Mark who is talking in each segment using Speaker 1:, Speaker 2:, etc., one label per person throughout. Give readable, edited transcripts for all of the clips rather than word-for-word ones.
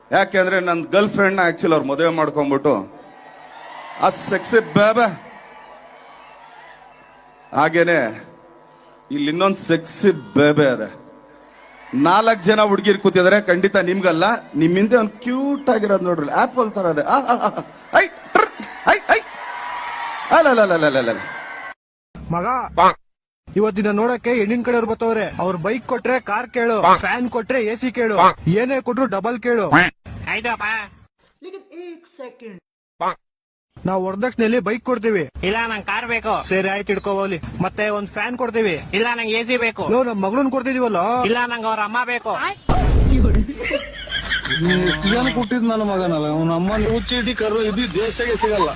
Speaker 1: ಯಾಕೆಂದ್ರೆ ನನ್ನ girl friend actually ಅವ್ರು ಮದುವೆ ಮಾಡ್ಕೊಂಡ್ಬಿಟ್ಟು ಆ ಸೆಕ್ಸಿ ಬೇಬೆ. ಹಾಗೇನೆ ಇಲ್ಲಿ ಇನ್ನೊಂದು ಸೆಕ್ಸಿ ಬೇಬೆ ಅದೆ. 4 ಜನ ಹುಡುಗಿರ್ ಕೂತಿದಾರೆ, ಖಂಡಿತ ನಿಮ್ಗಲ್ಲ, ನಿಮ್ ಹಿಂದೆ ಒಂದು ಕ್ಯೂಟ್ ಆಗಿರೋದು ನೋಡ್ರಿ, ಆಪಲ್ ತರ ಅದೆ.
Speaker 2: ಮಗ ಇವತ್ತಿನ ನೋಡಕ್ಕೆ ಹೆಣ್ಣಿನ ಕಡೆಯವ್ರು ಬರ್ತವ್ರೆ. ಅವ್ರ ಬೈಕ್ ಕೊಟ್ರೆ ಕಾರ್ ಕೇಳು, ಫ್ಯಾನ್ ಕೊಟ್ರೆ ಎಸಿ ಕೇಳು, ಏನೇ ಕೊಟ್ರು ಡಬಲ್ ಕೇಳು. ನಾವು ವರದಕ್ಷಿಣೆಯಲ್ಲಿ ಬೈಕ್ ಕೊಡ್ತೀವಿ.
Speaker 3: ಇಲ್ಲ ನಂಗೆ ಕಾರ್ ಬೇಕು.
Speaker 2: ಸರಿ ಆಯ್ತು ಇಟ್ಕೋಲಿ. ಮತ್ತೆ ಒಂದ್ ಫ್ಯಾನ್ ಕೊಡ್ತೀವಿ.
Speaker 3: ಇಲ್ಲ ನಂಗೆ ಎಸಿ ಬೇಕು.
Speaker 2: ನಮ್ ಮಗಳನ್ ಕೊಡ್ತಿದೀವಲ್ಲ.
Speaker 3: ಇಲ್ಲ ನಂಗೆ ಅವ್ರ ಅಮ್ಮ ಬೇಕು.
Speaker 4: ಏನು ಕೊಟ್ಟಿದ್ ನನ್ನ ಮಗನಲ್ಲ, ಅವನ ಅಮ್ಮನ ಹುಚ್ಚಿಡಿ ಕರು ಇದು ದೇಶಕ್ಕೆ ಸಿಗಲ್ಲ.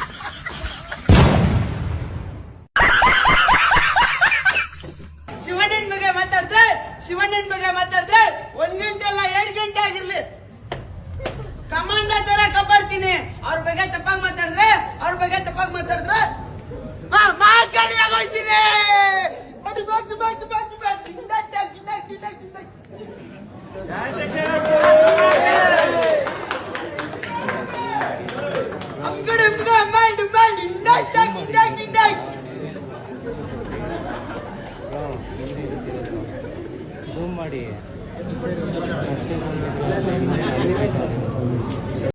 Speaker 5: ಶಿವಣ್ಣನ ಬಗ್ಗೆ ಮಾತಾಡಿದ್ರೆ 1 ಗಂಟೆ ಅಲ್ಲ 2 ಗಂಟೆ ಆಗಿರ್ಲಿ, ಕಮಾಂಡ ತರ ಕಬ್ಬಡ್ತೀನಿ. ಅವ್ರ ಬಗ್ಗೆ ತಪ್ಪಾಗಿ ಮಾತಾಡಿದ್ರೆ ಮಾರ್ಕಲ್ಲಿ ಆಗೋಯ್ತೀನಿ.
Speaker 6: ಮಾಡಿ